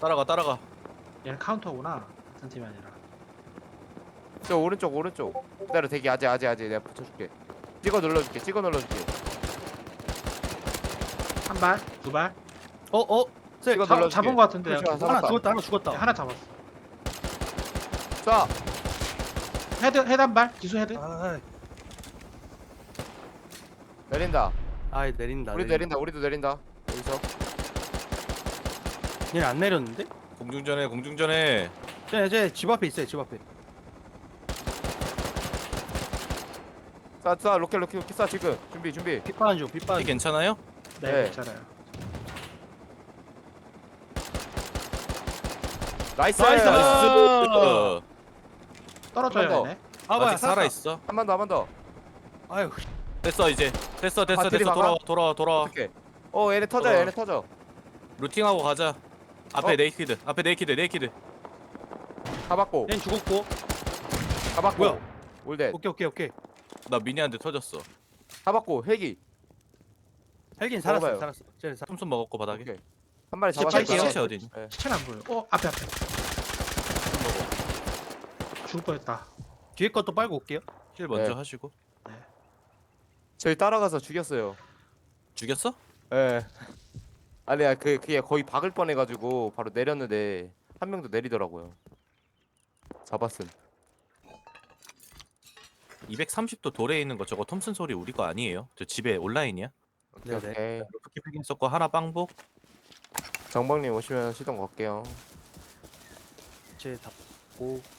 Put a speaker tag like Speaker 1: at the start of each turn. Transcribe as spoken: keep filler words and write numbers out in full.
Speaker 1: 따라가 따라가.
Speaker 2: 얘는 카운터구나. 같은 팀이 아니라.
Speaker 3: 저 오른쪽 오른쪽. 기다려 대기 아재 아재 아재 내가 붙여줄게. 찍어 눌러줄게. 찍어 눌러줄게.
Speaker 2: 한 발, 두 발.
Speaker 1: 어 어. 쎄.
Speaker 3: 찍어
Speaker 2: 자,
Speaker 3: 눌러줄게.
Speaker 2: 잡은 거 같은데.
Speaker 3: 그렇지,
Speaker 2: 내가.
Speaker 3: 잡았다.
Speaker 1: 하나 죽었다 하나 죽었다.
Speaker 2: 야, 하나 잡았어.
Speaker 3: 자
Speaker 2: 헤드 헤드 한 발. 기수 헤드.
Speaker 1: 아,
Speaker 3: 내린다.
Speaker 1: 아이 내린다.
Speaker 3: 우리도 내린다. 우리도 내린다. 여기서.
Speaker 1: 얘는 안 내렸는데?
Speaker 4: 공중전에 공중전에
Speaker 1: 쟤쟤집 앞에 있어요. 집 앞에.
Speaker 3: 쏴 쏴 로켓 로켓 로켓 쏴 지금. 준비 준비.
Speaker 1: 빗바람 중 빗바람.
Speaker 4: 이 괜찮아요?
Speaker 2: 네,
Speaker 3: 네.
Speaker 2: 괜찮아요.
Speaker 3: 나이스.
Speaker 1: 나이스!
Speaker 4: 나이스.
Speaker 2: 떨어져야
Speaker 3: 한번 더.
Speaker 2: 되네.
Speaker 1: 아 뭐야
Speaker 4: 아직 살아 있어.
Speaker 3: 한 번 더 한 번 더.
Speaker 1: 아유.
Speaker 4: 됐어 이제. 됐어 됐어
Speaker 3: 아,
Speaker 4: 됐어.
Speaker 3: 들이박아?
Speaker 4: 돌아와 돌아와 돌아와.
Speaker 3: 어떻게? 어 얘네 터져
Speaker 4: 어.
Speaker 3: 얘네 터져.
Speaker 4: 루팅하고 가자. 앞에
Speaker 3: 어?
Speaker 4: 네이키드. 앞에 네이키드 네이키드.
Speaker 3: 다 받고
Speaker 1: 얘는 죽었고.
Speaker 3: 다 받고.
Speaker 1: 뭐야?
Speaker 3: 올댓
Speaker 1: 오케이 오케이 오케이.
Speaker 4: 나 미니한테 터졌어.
Speaker 3: 다 받고 헬기.
Speaker 1: 헬긴 살았어
Speaker 3: 먹어봐요.
Speaker 1: 살았어. 쟤는 살.
Speaker 4: 솜솜 먹었고 바닥에.
Speaker 3: 오케이. 한 마리
Speaker 2: 시체
Speaker 3: 잡았어.
Speaker 2: 팔게요.
Speaker 4: 시체 어디니?
Speaker 3: 네.
Speaker 2: 시체는 안 보여. 어, 앞에 앞에. 죽을 뻔했다.
Speaker 1: 뒤에 것도 빨고 올게요.
Speaker 4: 힐 먼저
Speaker 3: 네.
Speaker 4: 하시고.
Speaker 3: 저희 따라가서 죽였어요.
Speaker 4: 죽였어?
Speaker 3: 예. 아니야 그 그게 거의 박을 뻔해가지고 바로 내렸는데 한 명도 내리더라고요. 잡았음.
Speaker 4: 이백삼십 도 돌에 있는 거 저거 톰슨 소리 우리 거 아니에요? 저 집에 온라인이야?
Speaker 3: 오케이
Speaker 1: 네네.
Speaker 3: 오케이.
Speaker 4: 로켓 패긴 썼고 하나 빵복.
Speaker 3: 정박님 오시면 시동 걸게요.
Speaker 1: 쟤다 고